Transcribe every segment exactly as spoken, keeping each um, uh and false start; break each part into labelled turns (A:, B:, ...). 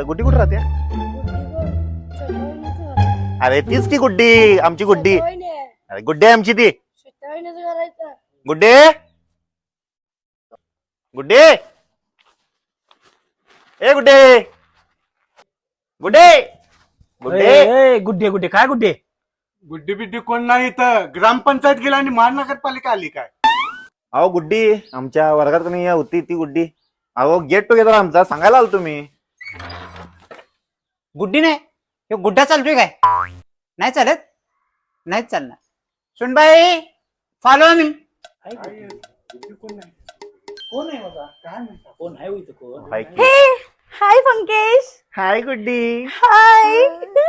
A: गुड्डी कुठे राहते? अरे तीच की गुड्डी, आमची गुड्डी. अरे गुड्डी आहे आमची ती. गुड्डे गुड्डे ए गुड्डे गुड्डे गुड्डे
B: गुड्डे गुड्डे काय गुड्डे?
C: गुड्डी बिड्डी कोण नाही इथं. ग्रामपंचायत गेला आणि महानगरपालिका आली काय?
A: अहो गुड्डी आमच्या वर्गात कोणी होती ती गुड्डी. अहो गेट टुगेदर आमचा सांगायला आलो तुम्ही.
B: गुड्डी नाही, हे गुड्डा चालतोय काय? नाही चालत, नाहीच चालणार. सुनबाई फॉलो मी. कोण आहे बाबा? काय म्हणता? कोण आहे इथं? कोण?
D: हे हाय पंकेश.
A: हाय गुड्डी.
D: हाय.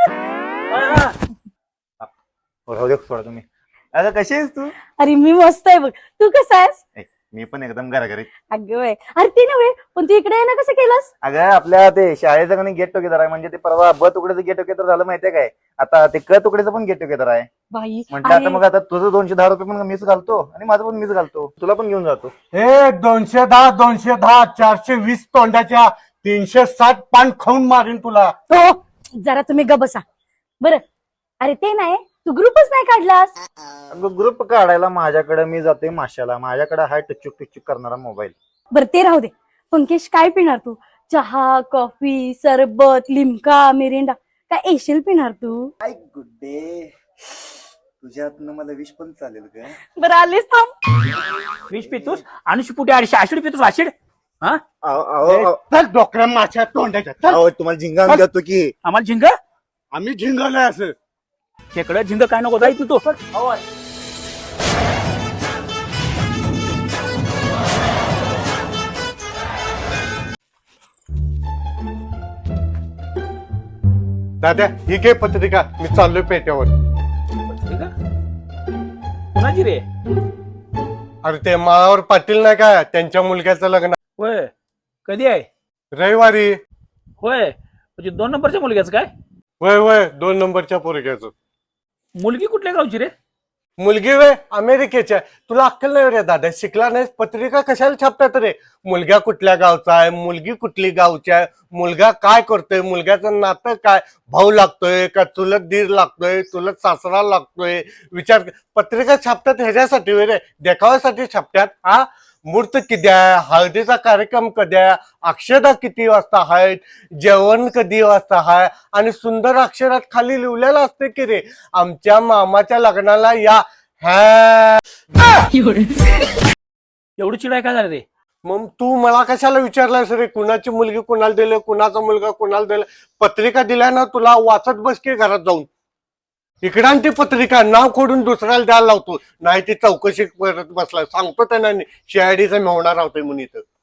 A: राहू दे सोडा तुम्ही. अगं कशी आहेस तू?
D: अरे मी मस्त आहे बघ. तू कसा आहेस?
A: मी पण एकदम घराघरी.
D: अगं बाई, अरे ते नव्हे पण तू इकडे येणं कसं केलंस?
A: अगं आपल्या ते शाळेचं कणी गेट टुगेदर आहे. म्हणजे ते परवा ब तुकड्याचं गेट टुगेदर झालं माहितीये काय? आता ते क तुकड्याचं पण गेट टुगेदर आहे.
D: बाई
A: म्हटलं आता मग आता तुझं दोनशे दहा रुपये पण मीच घालतो आणि माझं पण मीच घालतो, तुला पण घेऊन जातो.
C: हे दोनशे दहा दोनशे दहा चारशे वीस तोंडाच्या तीनशे साठ पान खाऊन मारीन तुला.
D: हो जरा तुम्ही ग बसा बरं. अरे ते नाही, तू ग्रुपच नाही काढलास.
A: अगं ग्रुप काढायला माझ्याकडे मी जाते माशाला. माझ्याकडे हाय टुचुक टुचुक करणारा मोबाईल.
D: बरं ते राहू दे. पंकेश काय पिणार तू? चहा, कॉफी, सरबत, लिमका, मिरिंडा काय एशिल पिणार तू?
A: काय गुड्डे तुझ्यातनं मला विष पण चालेल का?
D: बरं आलीस थांब.
B: वीस पितोस आणि पुढे अडीचशे आशिड पितोस आशिड. हा
C: चल डोकऱ्या माझ्या तोंडाच्या. चल
A: अहो तुम्हाला झिंगा देतो की.
B: आम्हाला झिंग
C: आम्ही झिंगलोय असं.
B: खेकडं झिंग काय नको जाई तू तो.
C: दादा ही घे पत्रिका, मी चाललोय पेट्यावर.
B: कुणाची रे?
C: अरे ते माळावर पाटील नाही का, त्यांच्या मुलग्याचं लग्न
B: होय, कधी आहे?
C: रविवारी.
B: होय, म्हणजे दोन नंबरच्या मुलग्याचं काय?
C: वय वय दोन नंबरच्या पोरग्याचं.
B: मुलगी कुठल्या गावची रे?
C: मुलगी वे अमेरिकेच्या. तुला अक्कल नाही रे दादा, शिकला नाहीस? पत्रिका कशाला छापतात रे? मुलगा कुठल्या गावचा आहे, मुलगी कुठली गावची आहे, मुलगा काय करतोय, मुलग्याचं नातं काय, भाऊ लागतोय का चुलत दीर लागतोय, चुलत सासरा लागतोय, विचार. पत्रिका छापतात ह्याच्यासाठी रे, देखाव्यासाठी छापतात. हा मूर्त किती आहे, हळदीचा कार्यक्रम कधी आहे, अक्षदा किती वाजता आहेत, जेवण कधी वाजता आहे, आणि सुंदर अक्षरात खाली लिहिलेलं असते की रे आमच्या मामाच्या लग्नाला या. हा
B: एवढी चिडाय काय झालं रे?
C: मग तू मला कशाला विचारलास रे कुणाची मुलगी कुणाला दिले, कुणाचा मुलगा कुणाला दिला? पत्रिका दिल्या ना तुला, वाचत बस की घरात जाऊन. इकडान ती पत्रिका नाव खोडून दुसऱ्याला द्यायला लावतो, नाही ती चौकशी करत बसला. सांगतो त्यांना शिआयडीचा मेवणार होतोय म्हणून इथं.